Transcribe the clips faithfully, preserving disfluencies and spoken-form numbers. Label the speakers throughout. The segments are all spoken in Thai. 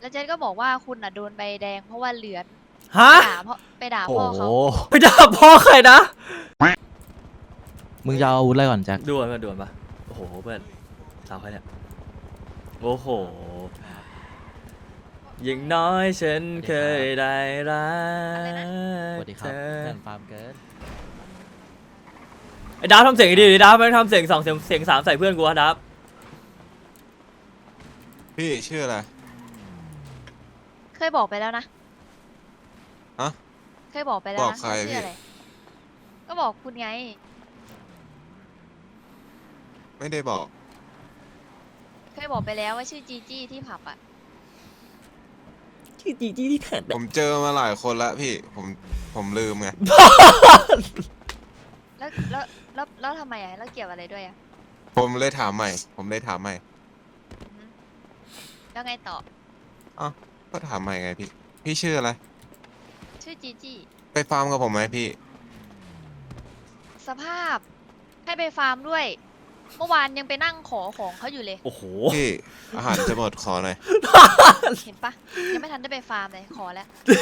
Speaker 1: แล้วเจ๊ก็บอกว่าคุณอ่ะโดนใบแดงเพราะว่าเลือน
Speaker 2: ฮะ
Speaker 1: ไปด่าพ่อไปด่า
Speaker 3: โอ้
Speaker 1: พ่อ
Speaker 3: โห
Speaker 1: เขา
Speaker 2: ไปด่าพ่อใครนะ
Speaker 3: มึงจะเอาอาวุธอะไรก่อนแจ็ค
Speaker 2: ด่วนมาด่วนปะโอ้โหเพื่อนสาวใครเนี่ยโอ้โหยิ่งน้อยฉันเคยได้รัก
Speaker 3: สวัสดีครับ
Speaker 2: เธอ
Speaker 3: เพื่อนฟาร์มเกิน
Speaker 2: ไอ้ดาวทำเสียงดีดิดาวไม่ทำเสียงสองเสียงเสียงสามใส่เพื่อนกูอะดาว
Speaker 4: พี่ชื่ออะไร
Speaker 1: เคยบอกไปแล้วนะ
Speaker 4: ฮะ
Speaker 1: เคยบอกไปแล้ว
Speaker 4: บอก
Speaker 1: นะ
Speaker 4: ใคร
Speaker 1: ว่าชื่
Speaker 4: พี่
Speaker 1: ออะไรก็บอกคุณไง
Speaker 4: ไม่ได้บอก
Speaker 1: เคยบอกไปแล้วว่าชื่อจีจี้ที่ผับอ่ะ
Speaker 2: ที่จีจี้ที่แขน
Speaker 4: ผมเจอมาหลายคนละพี่ ผมผมลืมไง
Speaker 1: แล้วแล้วแล้วแล้วทำไมอ่ะแล้วเกี่ยวอะไรด้วยอ่ะ
Speaker 4: ผมเลยถามใหม่ ผมเลยถามใหม่
Speaker 1: อือฮึแล้วไงต่อ
Speaker 4: อ้าวก็ถามใหม่ไงพี่ พี่ชื่ออะไร
Speaker 1: ชื่อจีจี้
Speaker 4: ไปฟาร์มกับผมไหมพี่
Speaker 1: สภาพให้ไปฟาร์มด้วย เมื่อวานยังไปนั่งขอของเขาอยู่เลย
Speaker 2: โอ้โห
Speaker 4: พี่ อาหารจะหมดขอหน่อย
Speaker 1: เห็นปะยังไม่ทันได้ไปฟาร์มเลยขอแล้ว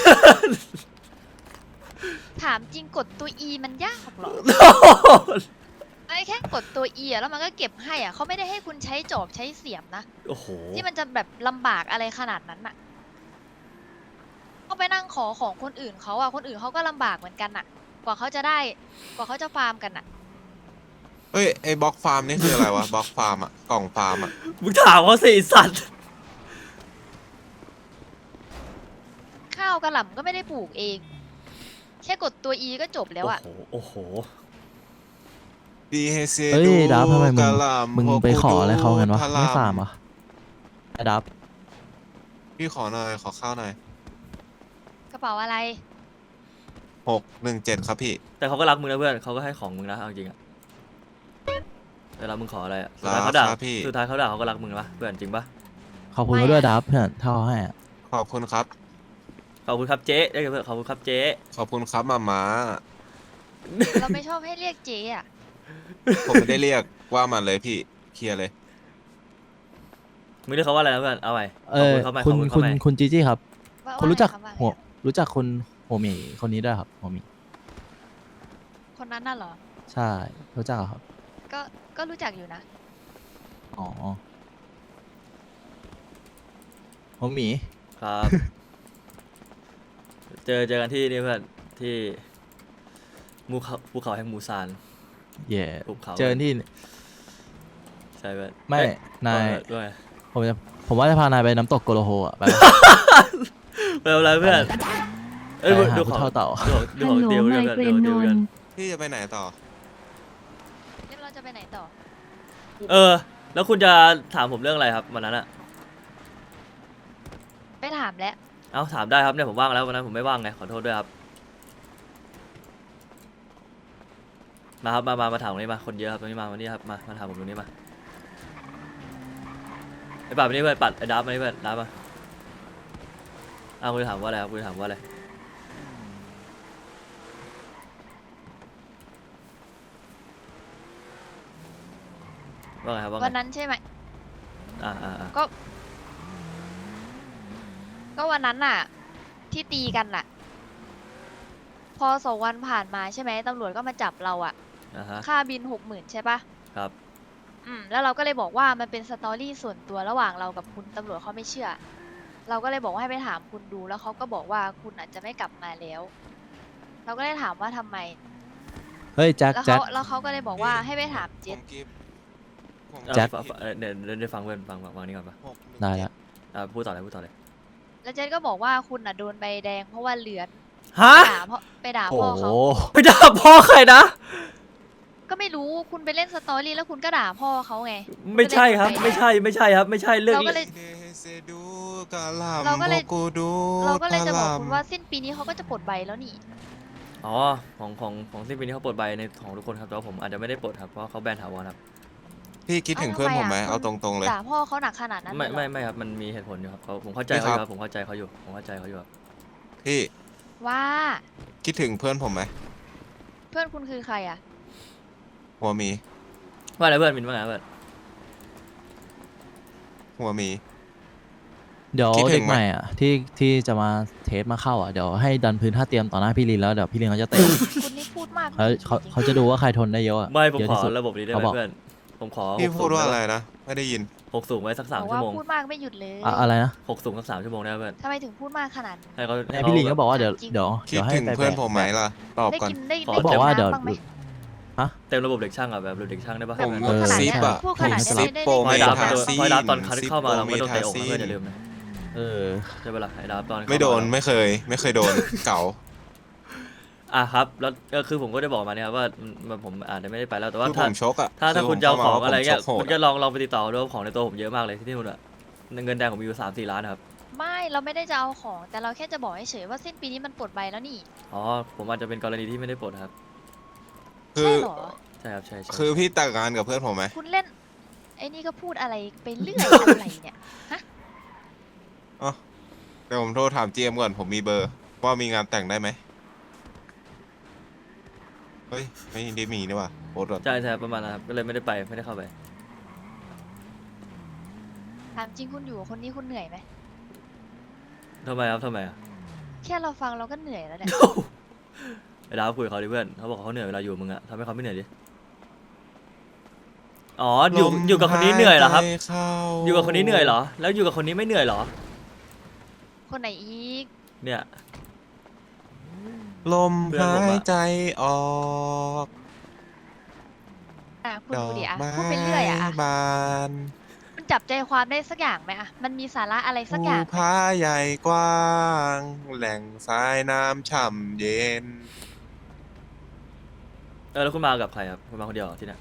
Speaker 1: ถามจริงกดตัว E มันยากเหรอ ไอ้แค่กดตัว E อะแล้วมันก็เก็บให้อ่ะเขาไม่ได้ให้คุณใช้จอบใช้เสียมนะ
Speaker 2: โอ้โห
Speaker 1: ที่มันจะแบบลำบากอะไรขนาดนั้นน่ะก็ไปนั่งขอของคนอื่นเขาอ่ะคนอื่นเขาก็ลำบากเหมือนกันน่ะ กว่าเขาจะได้ กว่าเขาจะฟาร์มกันน่ะ
Speaker 4: เอ้ย ไอ้บล็อกฟาร์มนี่คืออะไรวะ บล็อกฟาร์มอะกล่องฟาร์มอะ
Speaker 2: มึงถามเขาสิไอ้สัตว์
Speaker 1: ข้าวกระหล่ำก็ไม่ได้ปลูกเอง แค่กดตัว E ก็จบแล้ว
Speaker 2: โอ้
Speaker 1: อ่ะ
Speaker 2: โหโอ้โห
Speaker 4: ดีเฮเซ
Speaker 3: เฮ้ย
Speaker 4: ดู
Speaker 3: ดับทำไมมึง
Speaker 4: กะหล่ำ
Speaker 3: มึง
Speaker 4: พวก
Speaker 3: ไปขอ
Speaker 4: กู
Speaker 3: อะไรเขากันวะ
Speaker 4: พะ
Speaker 3: ไม่
Speaker 4: ลำ
Speaker 3: ฟาร์มเหรอไอ้ดับ
Speaker 4: พี่ขอหน่อย ขอข้าวหน่อย
Speaker 1: กระเป๋าอะไร
Speaker 4: หกหนึ่งเจ็ดครับพี่
Speaker 2: แต่เขาก็รักมึงนะเพื่อนเขาก็ให้ของมึงนะเอาจริงอะเวลามึงขออะไรอะสุดท้าย
Speaker 4: รัก
Speaker 2: เขาด่า
Speaker 4: ครับพี่
Speaker 2: สุดท้ายเขาด่าเขาก็รักมึงนะปะเพื่อนจริงปะ
Speaker 3: ขอบคุณ
Speaker 1: ไม่
Speaker 3: เขาด้วย
Speaker 1: อะ
Speaker 3: ดับเพื่อนเท่าให้อะ
Speaker 4: ขอบคุณครับ
Speaker 2: ขอบคุณครับเจ๊ได้กับเพื่อนขอบคุณครับเจ๊
Speaker 4: ขอบคุณครับมาม้า
Speaker 1: เราไม่ชอบให้เรียกเจ๊อ่ะ
Speaker 4: ผมไม่ได้เรียกว่ามันเลยพี่ เคลียร์เลย
Speaker 2: มึงเรียกเขาว่าอะไรนะเพื่อนเอาใหม่
Speaker 3: เอ
Speaker 2: ขอบ
Speaker 3: อ
Speaker 2: คุณเขาใหม่ข
Speaker 3: คุ
Speaker 2: อบ
Speaker 3: ณ
Speaker 2: คุณ
Speaker 3: คุ
Speaker 2: เขา
Speaker 3: ณ
Speaker 2: ใหม่
Speaker 3: คุณจีจี้ครับ
Speaker 1: ว่า
Speaker 3: คุณรู้จัก
Speaker 1: ว่าอะไร
Speaker 3: หัว
Speaker 1: คะว่าอะไร
Speaker 3: รู้จักคุณโฮหมีคนนี้ด้วยครับโฮหมี
Speaker 1: คนนั้นน่ะเหรอ
Speaker 3: ใช่ รู้จักเหรอครับ
Speaker 1: ก็ ก็รู้จักอยู่นะ
Speaker 3: อ๋อโฮหมี
Speaker 2: ครับ เจอเจอกันที่นี่เพื่อนที่ภูเขาภูเขาแห่งมูซาน
Speaker 3: เย่
Speaker 2: ภูเขา
Speaker 3: เจอที่
Speaker 2: ใช่เพื่อน
Speaker 3: ไม่
Speaker 2: เอ้ย
Speaker 3: นาย
Speaker 2: ด้วย
Speaker 3: ผมจะผมว่าจะพานายไปน้ำตกโกโลโฮอ่ะไปปะ
Speaker 2: ไม่เป็นไรเพื่อนเอ้ย
Speaker 3: ไปหา
Speaker 2: ดู
Speaker 3: ผู้
Speaker 2: ของ
Speaker 3: เท่าเต่า
Speaker 2: ดูของดูของเดียวกันเพื่อนดูของเดียวกัน
Speaker 4: พี่จะไปไหนต่อ
Speaker 1: เดี๋ยวเราจะไปไหนต่อ
Speaker 2: เออ แล้วคุณจะถามผมเรื่องอะไรครับวันนั้นอะ
Speaker 1: ไปถามแล้ว
Speaker 2: เอ้าถามได้ครับเนี่ยผมว่างแล้ววันนั้นผมไม่ว่างไงขอโทษด้วยครับมาครับมามามาถามตรงนี้มาคนเยอะครับตรงนี้มาวันนี้ครับมามาถามผมตรงนี้มาไอ้ปัดมานี่เพื่อนปัดไอ้ดับมานี่เพื่อนดับมาอ้าวคุณจะถามว่าอะไรครับคุณจะถามว่าอะไรว่าไงครับว่าไง
Speaker 1: วันนั้นใช่ไหม
Speaker 2: อ่าอ่าอ่า
Speaker 1: ก็ ก็วันนั้นน่ะ ที่ตีกันน่ะ พอสองวันผ่านมาใช่ไหมตำรวจก็มาจับเราอะ
Speaker 2: อ่าฮะ
Speaker 1: ค่าบินหกหมื่นใช่ปะ
Speaker 2: ครับ
Speaker 1: อืม แล้วเราก็เลยบอกว่ามันเป็นสตอรี่ส่วนตัวระหว่างเรากับคุณตำรวจเขาไม่เชื่อ เราก็เลยบอกว่าให้ไปถามคุณดู แล้วเขาก็บอกว่าคุณอาจจะไม่กลับมาแล้ว เราก็เลยถามว่าทำไม
Speaker 3: เฮ้ยแจ็ค
Speaker 1: แล้ว
Speaker 3: แจ็
Speaker 1: เขา
Speaker 3: ค
Speaker 1: แล้วเขาก็เลยบอกว่าให้ไปถาม
Speaker 4: ผ
Speaker 1: เจ็ด
Speaker 4: มกิฟต์ผม
Speaker 2: เอ่อ
Speaker 3: แจ็ค
Speaker 2: ฟังฟังเอ่อเดี๋ยวเดี๋ยวได้ฟังเพื่อนฟังฟังฟังนี่ก่อนปะ
Speaker 4: หกหนึ่ง
Speaker 3: ได้
Speaker 4: เจ็
Speaker 3: ละ
Speaker 2: อ่าพูดต่อเลยพูดต่อเลย
Speaker 1: แล้วเจ็ดก็บอกว่าคุณอ่ะโดนใบแดงเพราะว่าเลือน
Speaker 2: ฮะ
Speaker 1: ไปด่าพ่อไปด่า
Speaker 3: โอ้
Speaker 1: พ่อ
Speaker 3: โห
Speaker 1: เขา
Speaker 2: ไปด่าพ่อใครนะ
Speaker 1: ก็ไม่รู้คุณไปเล่นสตอรี่แล้วคุณก็ด่าพ่อเขาไง
Speaker 2: ไม่ใช่ครับไม่ใช่ไม่ใช่ครับไม่ใช่เรื่อง
Speaker 1: เราก็เลย
Speaker 4: ดีเฮเซดูกะหล่ำ
Speaker 1: เราก็เลย
Speaker 4: พวกูดู
Speaker 1: เราก็เลยจะบอก
Speaker 4: พ
Speaker 1: คุณว่าสิ้นปีนี้เขาก็จะปลดใบแล้วนี่
Speaker 2: อ๋อของของของสิ้นปีนี้เขาปลดใบในของทุกคนครับแต่ว่าผมอาจจะไม่ได้ปลดครับเพราะเขาแบนถาวรครับ
Speaker 4: พี่คิดถึงเพื่อนผมไหมเอาตรงๆเลย
Speaker 1: ด่าพ่อเขาหนักขนาดนั้น
Speaker 2: ไม่
Speaker 1: เลยเหรอ
Speaker 2: ไม่ไม่ครับมันมีเหตุผลอยู่ครับเขาผมเข้าใจ
Speaker 4: พี่
Speaker 2: เขาอ
Speaker 4: ครับ
Speaker 2: ยู่ครับผมเข้าใจเขาอยู่ผมเข้าใจเขาอยู่ครับ
Speaker 4: พี่
Speaker 1: ว่า
Speaker 4: คิดถึงเพื่อนผมไหม
Speaker 1: เพื่อนคุณคือใครอ่ะ
Speaker 4: หัวหมี
Speaker 2: ว่าอะไรเพื่อนมินว่าไงเพื่อน
Speaker 4: หัวหมี
Speaker 3: เดี๋ยว
Speaker 4: คิดถึ
Speaker 3: เด็
Speaker 4: ง
Speaker 3: ก
Speaker 4: ไหม
Speaker 3: ใหม่อ่ะที่ที่จะมาเทสมาเข้าอ่ะเดี๋ยวให้ดันพื้นท่าเตรียมต่อหน้าพี่ลินแล้วเดี๋ยวพี่ลินเขาจะเตะ
Speaker 1: คุณนี่พูดมาก
Speaker 3: เขาเขา
Speaker 1: จริงๆ
Speaker 3: เขาจะดูว่าใครทนได้เยอะอะ
Speaker 2: ไม่ผม
Speaker 3: เยอะ
Speaker 2: ขอ
Speaker 3: ที่สุด
Speaker 2: ระบบนี้ได้ไห
Speaker 3: เขา
Speaker 2: ม
Speaker 3: บอก
Speaker 2: เพื่อนผมขอ
Speaker 4: พี่
Speaker 2: หก
Speaker 4: พูด
Speaker 2: สูง
Speaker 4: ว่า
Speaker 2: ด้
Speaker 4: อะไร
Speaker 2: ป
Speaker 4: นะ ไม่ได้ยิน
Speaker 2: หกสูงไว้สักสาม
Speaker 1: บอก
Speaker 2: ชั่
Speaker 1: ว่าว
Speaker 2: โมง
Speaker 1: พูดมากไม่หยุดเลย
Speaker 3: อะอะไรนะ
Speaker 2: หกสูงสักสามชั่วโมงได้ไหมเพื่อน
Speaker 1: ทำไมถึงพูดมากขนาดนี้
Speaker 2: ให้เขา
Speaker 3: เนี่ย
Speaker 2: ให้
Speaker 3: พี่ลินก็
Speaker 2: แบบ
Speaker 3: บอกว่าเดี๋ยว
Speaker 1: จริง
Speaker 3: เดี๋ยว
Speaker 4: คิด
Speaker 3: เดี๋ยวให้
Speaker 4: ถึง
Speaker 3: ไป
Speaker 4: เพื่อน
Speaker 3: แบก
Speaker 4: ผมไหมล่ะ ตอบ
Speaker 1: ได้
Speaker 4: ก่อน
Speaker 1: กินได้
Speaker 2: ขอ
Speaker 1: ได้
Speaker 3: บอก
Speaker 1: กิน
Speaker 3: ว่าเดี๋ยว
Speaker 1: น้ำบ้างไหม
Speaker 2: เต็มระบบเด็กช่างอ่ะแบบระบบเด็กช่างได้ปะ
Speaker 1: แบบ
Speaker 4: ผม
Speaker 1: พูดขนาด
Speaker 4: ซิ
Speaker 1: เนี้
Speaker 4: ป
Speaker 1: ย
Speaker 4: อะ
Speaker 1: พูดขนาด
Speaker 4: ผม
Speaker 1: เนี้ย
Speaker 4: ซิป
Speaker 1: ได้
Speaker 4: โปร
Speaker 1: ได้
Speaker 2: คอย
Speaker 1: กิน
Speaker 2: ดับ
Speaker 4: ทา
Speaker 1: น้ำบ้างไหม
Speaker 4: ซีน
Speaker 2: คอยดับตอนคัน
Speaker 4: ซิป
Speaker 2: เข้ามาเราไม่โดน
Speaker 4: โปร
Speaker 2: เตะอกนะ
Speaker 4: ทา
Speaker 2: เพื่อน
Speaker 4: ซีน
Speaker 2: อย่าลืมนะ
Speaker 3: เออ
Speaker 2: ใช่ปะล่ะไอ้ดับตอนเข้าา
Speaker 4: ไม่โดนไม่เคย ไม่เคยโดน เก๋า
Speaker 2: อ่ะครับแล้วก็คือผมก็ได้บอกมาเนี่ยครับว่ามันผมอาจจะไม่ได้ไปแล้วแต่ว่า
Speaker 4: คือผ
Speaker 2: ถ้าม
Speaker 4: ชกอะ
Speaker 2: ถ้าถ้า
Speaker 4: อ
Speaker 2: คุณจะเอาของ
Speaker 4: ผมข้ม
Speaker 2: อะไรเงี้ย
Speaker 4: ผมชกโห
Speaker 2: คุ
Speaker 4: ด
Speaker 2: ณก็ลองลองไปติดต่อดูว่าของในตัวผมเยอะมากเลยที่นู่นอะเงินแดงผมมีอยู่สามสี่ล้านครับ
Speaker 1: ไม่เราไม่ได้จะเอาของ แต่เราแค่จะบอกเฉยๆว่าสิ้นปีนี้มันปลดใบแล้วนี่
Speaker 2: อ๋อผมอาจจะเป็นกรณีที่ไม่ได้ปลดครับ
Speaker 4: คื
Speaker 1: ใช่
Speaker 4: อ
Speaker 1: เหรอ
Speaker 2: ใช่ครับใช่ใช่
Speaker 4: คือพี่แต่งงานกับเพื่อนผมไหม
Speaker 1: คุณเล่นไอ้นี่ก็พูดอะไรไปเรื่อยอะไรเนี่ย
Speaker 4: เดี๋ยวผมโทรถามเจมก่อนผมมีเบอร์ ว่ามีงานแต่งได้ไหมเฮ้ย ไม่ได้มีนี่หว่าโพสต์ก่อน
Speaker 2: ใช่ใช่ประมาณนั้นครับก็เลยไม่ได้ไปไม่ได้เข้าไป
Speaker 1: ถามจริงคุณอยู่กับคนนี้คุณเหนื่อยไหม
Speaker 2: ทำไมครับทำไมอะ
Speaker 1: แค่เราฟังเราก็เหนื่อยแล้วเนี่ย
Speaker 2: ไอ้ดาวคุยกับเขาดิเพื่อนเขาบอกเขาเหนื่อยเวลาอยู่กับมึงอะทำให้เขาไม่เหนื่อยดิอ๋ออยู่อยู่กับคนนี้เหนื่อยเหรอครับ
Speaker 4: ลมหายใจเข้า
Speaker 2: อยู่กับคนนี้เหนื่อยเหรอ แล้วอยู่กับคนนี้ไม่เหนื่อยเหรอ
Speaker 1: คนไหนอีก
Speaker 2: เนี่ย
Speaker 4: ลม
Speaker 2: เพื่อน
Speaker 4: หา
Speaker 2: ผมอะ
Speaker 4: ยใจออก
Speaker 1: อ่ะคุณ
Speaker 4: ดอ
Speaker 1: ดู
Speaker 4: ก
Speaker 1: ดิอ่ะ
Speaker 4: ไม้
Speaker 1: พูดไปเรื่อยอ่ะอ่ะ
Speaker 4: บาน
Speaker 1: มันจับใจความได้สักอย่างไหมอ่ะมันมีสาระอะไรสักอย่าง
Speaker 4: ภูผาใหญ่กว้าง แหล่งสายน้ำฉ่ำเย็น
Speaker 2: เออแล้วคุณมากับใครครับคุณมาคนเดียวเหรอที่เนี่ย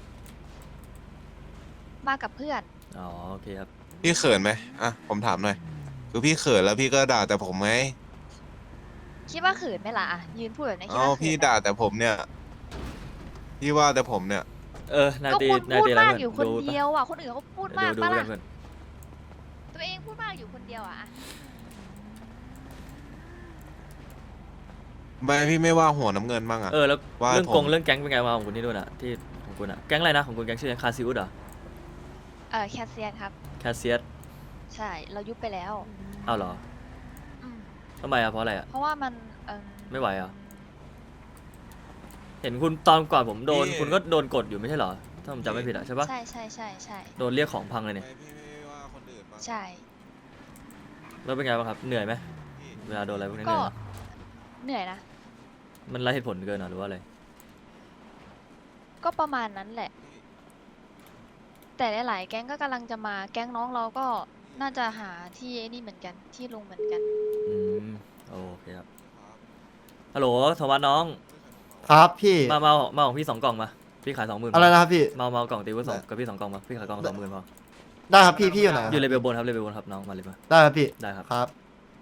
Speaker 1: มากับเพื่อน
Speaker 2: อ๋อโอเคครับ
Speaker 4: พี่เขินไหมอ่ะ ผมถามหน่อย คือพี่เขินแล้วพี่ก็ด่าแต่ผมไหม
Speaker 1: คิดว่าเขินไหมล่ะอ่ะยืนพูดแบบนี้คิด
Speaker 4: เอ้า
Speaker 1: ว่าเขิ
Speaker 4: พี่
Speaker 1: นไหม
Speaker 4: ด่าแต่ผมเนี่ย พี่ว่าแต่ผมเนี่ย
Speaker 2: เออนาย
Speaker 1: ก็
Speaker 2: ตี
Speaker 1: คุณ
Speaker 2: นาย
Speaker 1: พูด
Speaker 2: ตีอะไร
Speaker 1: มาก
Speaker 2: เพื่อน
Speaker 1: อยู่คน
Speaker 2: ดูปะ
Speaker 1: เดียวอ่ะคนอื่นเขาพูดมาก
Speaker 2: ดู
Speaker 1: ปะ
Speaker 2: ดู
Speaker 1: ล่ะ
Speaker 2: กันเพื่อน
Speaker 1: ตัวเองพูดมากอยู่คนเดียวอ่ะ
Speaker 4: ไม่พี่ไม่ว่าหัวน้ำเงินบ้างอะ
Speaker 2: เออแล้ว
Speaker 4: ว่า
Speaker 2: เรื่อง
Speaker 4: ผม
Speaker 2: กงเรื่องแก๊งเป็นไงมาของคุณที่นู่นอะที่ของคุณอะแก๊งอะไรนะของคุณแก๊งชื่อคาซิอุสเหรอ
Speaker 1: เออแคสเซียนครับ
Speaker 2: แคสเซียส
Speaker 1: ใช่เรายุบไปแล้ว
Speaker 2: อ้าวเหรอ
Speaker 1: อืม
Speaker 2: ทำไมอะเพราะอะไรอะ
Speaker 1: เพราะว่ามันเออ
Speaker 2: ไม่ไหวเหรอ เห็นคุณตอนก่อนผมโดน
Speaker 4: พี่
Speaker 2: คุณก็โดนกดอยู่ไม่ใช่เหรอถ้าผมจำไม่ผิดอะใช่ปะ
Speaker 1: ใช่ใช่ใช่ใช่
Speaker 2: โดนเรียกของพังเลยเนี่ย
Speaker 4: ไม่พี่ไม่ว่าคนอื่นบ้าง
Speaker 1: ใช่
Speaker 2: แล้วเป็นไงบ้างครับเหนื่อยไหมเวลาโดนอะไรพวกนี้เห
Speaker 1: ก็
Speaker 2: นื่อยไหม
Speaker 1: เหนื่อยนะ
Speaker 2: มันไร้เหตุผลเกินเหรอหรือว่าอะไร
Speaker 1: ก็ประมาณนั้นแหละ แต่หลายๆแก๊งก็กำลังจะมาแก๊งน้องเราก็น่าจะหาที่ไอ้นี่เหมือนกันที่ลงเหมือนกัน
Speaker 2: อืมโอเคครับฮัลโหลโทมัสน้อง
Speaker 5: ครับพี่
Speaker 2: มามามาของพี่สองกล่องมาพี่ขายสองหมื่น
Speaker 5: อะไรนะครับพี่
Speaker 2: มามาเอากล่องตีไว้สองกับพี่สองกล่องมาพี่ขายกล่องสองหมื่นพอ
Speaker 5: ได้ครับพี่พี่อยู่ไหน
Speaker 2: อยู่เลเวลบนครับเลเวลบนครับน้องมาเลยมา
Speaker 5: ได้ครับพี่
Speaker 2: ได้ครับ
Speaker 5: ครับ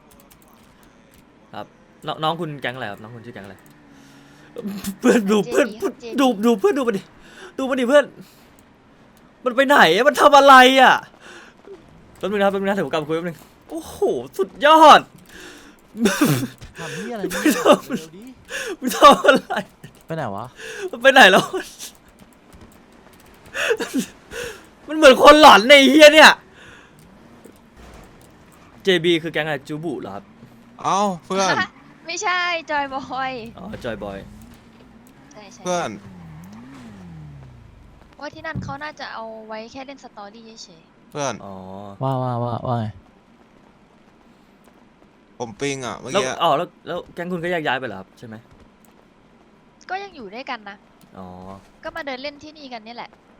Speaker 2: ครับน้องน้องคุณแก๊งอะไรครับน้องคุณชื่อแก๊งอะไรเพื่อนดู
Speaker 1: เจ
Speaker 2: เพื่อน
Speaker 1: ดีครับเจดี
Speaker 2: ดูดูเพื่อนดูมันดิดูมันดิเพื่อน มันไปไหนอะมันทำอะไรอะแป๊บนึงนะครับแป๊บนึงนะเดี๋ยวผมกลับมาคุยแป๊บนึงโอ้โหสุดยอด
Speaker 3: ทำนี่อะไร
Speaker 2: ไม่
Speaker 3: เนี่ย
Speaker 2: ทำ
Speaker 3: เร็วดิ
Speaker 2: มันทำอะไร
Speaker 3: ไปไหนวะ
Speaker 2: มันไปไหนแล้ว มันเหมือนคนหลอนในเฮียเนี่ย เจ บี คือแก๊งอะไรจูบุเหรอครับ
Speaker 4: เอ้าเพื่อน
Speaker 1: ไม่ใช่จอยบอย
Speaker 2: อ๋อจอยบอย
Speaker 1: ใช่ใช่
Speaker 4: เพื่อน
Speaker 1: ว่าที่นั่นเขาน่าจะเอาไว้แค่เล่นสตอรี่เฉย
Speaker 4: เพื่อน
Speaker 2: อ๋อ
Speaker 3: ว่าว่าว่าว่าไง
Speaker 4: ผมปิงอ่ะเมื่อ
Speaker 2: แล้ว
Speaker 4: กี้
Speaker 2: อ๋อแล้วแล้วแก๊งคุณก็แยกย้ายไปเหรอครับใช่ไหม
Speaker 1: ๆก็ยังอยู่ด้วยกันนะ
Speaker 2: อ๋อ
Speaker 1: ก็มาเดินเล่นที่นี่กันนี่แหละ